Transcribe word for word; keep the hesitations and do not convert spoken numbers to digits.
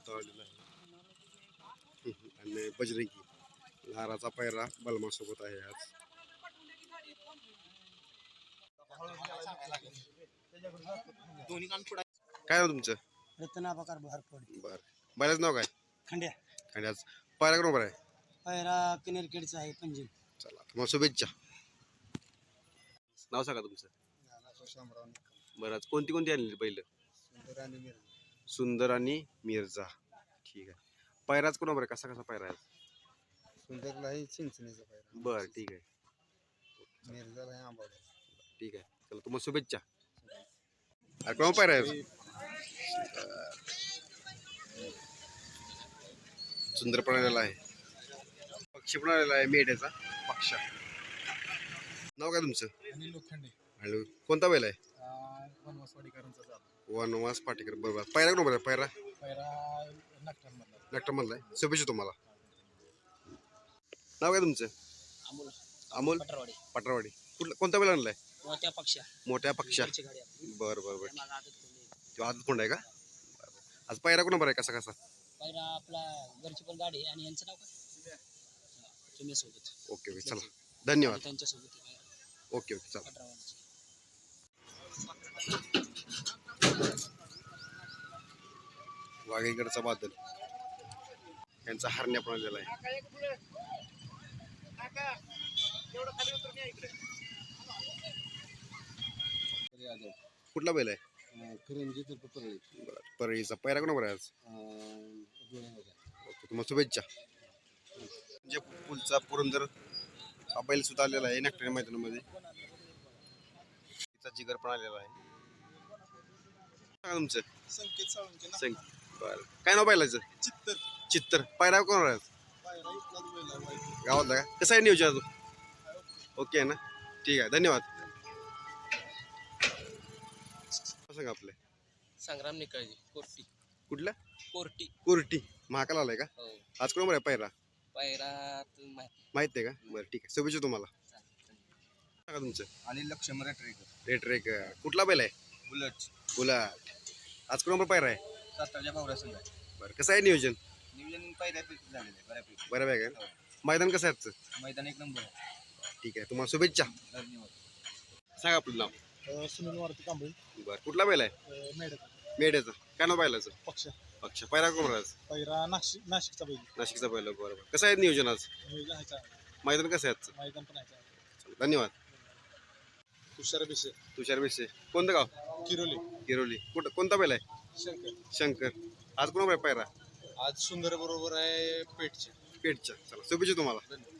पळालेला आहे आणि बजरंगी लाराचा पैरा बलमासोबत आहे आज. काय नाव तुमचं? रत्नाबाकार भारपड. बर बैलाच नाव काय? खंड्या. खंड्याच पायरा बरोबर आहे. पैरा किनेरखेडचा आहे पंजीम. चला तुम्हाला शुभेच्छा. नाव सांगा तुमचं. बरं आज कोणती कोणती आणली बैल? सुंदर आणि मिर्झा. ठीक आहे. पैराच कोणाबर आहे? कसा कसा पैरा आहे? सुंदरला आहे चिंचणीचा पैरा. बरं ठीक आहे. मिर्झाला आहे आंबाडा. ठीक आहे. चला तुम्हाला शुभेच्छा. अरे कोणा पैरा आहे? सुंदर पण आलेला आहे. पक्षी पण आलेला आहे मेढ्याचा पक्षा. नाव काय तुमचं? अनिल लोखंडे. हॅलो कोणता बैल आहे? वनवासवाडीकरांचा चालू. वनवास पाटेकर बरोबर. पैरा बरोबर आहे. पैरा पैरा नागठाणमधला. नागठाणमधला आहे. शुभेच्छा तुम्हाला. नाव काय तुमचं? अमोल. अमोल पटरवाडी. पटरवाडी. कुठला कोणता बैल आणलाय? मोठ्या पक्षा. मोठ्या पक्षा. गाडी. बरं बरं बरं. तो आदत कोंड आहे का? आज पैरा कोणा बरं आहे? कसा कसा? पैरा आपला घरची पण गाडी आणि यांचं नाव काय? तुम्ही सोबत. ओके ओके चला धन्यवाद. त्यांच्या सोबत. ओके ओके चला. पटरवाडीची. वाघेकडचा बादल यांचा हरण्या पण आलेला आहे. कुठला बैल आहे? परळीचा पैरा कोणा बरं आहे आज? ओके तुम्हाला शुभेच्छा. म्हणजे पुलचा पुरंदर हा बैल सुद्धा आलेला आहे नागठाणे मैदानामध्ये. तिचा जिगर पण आलेला आहे. सांगा तुमचं. संकेत साळुंके. संकेत. बरं काय नाव बैलाचं? चित्तर. चित्तर. पैरा कोण आहे? गावातला का? कसं आहे नियोजन अजून? ओके आहे ना. ठीक आहे धन्यवाद. सांगा आपले. संग्राम निकाळजी. कोर्टी. कुठला? कोर्टी. कोर्टी. महाकाल आलाय का? हो. आज कोण बरं आहे पैरा? पैरा माहित आहे का? बरं ठीक आहे शुभेच्छा तुम्हाला. सांगा तुमचं. आणि लक्ष्मण रेटरेकर. रेट रेक कुठला बैल आहे? बुलट. बुलाट. आज कोण पैरा आहे? सातारच्या भावऱ्या संघ. बरं कसं आहे नियोजन? नियोजन पैऱ्यापैकी झालेलं आहे बऱ्यापैकी. बऱ्यापैकी आहे. मैदान कसं आहे आजचं? मैदान एक नंबर आहे. ठीक आहे तुम्हाला शुभेच्छा. धन्यवाद. सांगा आपलं नाव. सुनील मारुती कांबळे. बरं कुठला बैल आहे? मेडक. मेढ्याचा. काय नाव बैलाचं? पक्ष. पक्ष. पैरा कोण आज? पैरा नाशिक नाशिकचा बैल. नाशिकचा बैल. बरोबर. कसं आहे नियोजन आज? नियोजन आहे चांगलं. मैदान कसं आहे आजचं? मैदान पण आहे चांगलं. धन्यवाद. तुषार बिसे. तुषार विषय कोणतं गाव? किरोली. किरोली. कुठं कोणता बैल आहे? शंकर. शंकर. आज कोणा पैरा? आज सुंदर बरोबर आहे पेठचे. पेठच्या. चला शुभेच्छा तुम्हाला.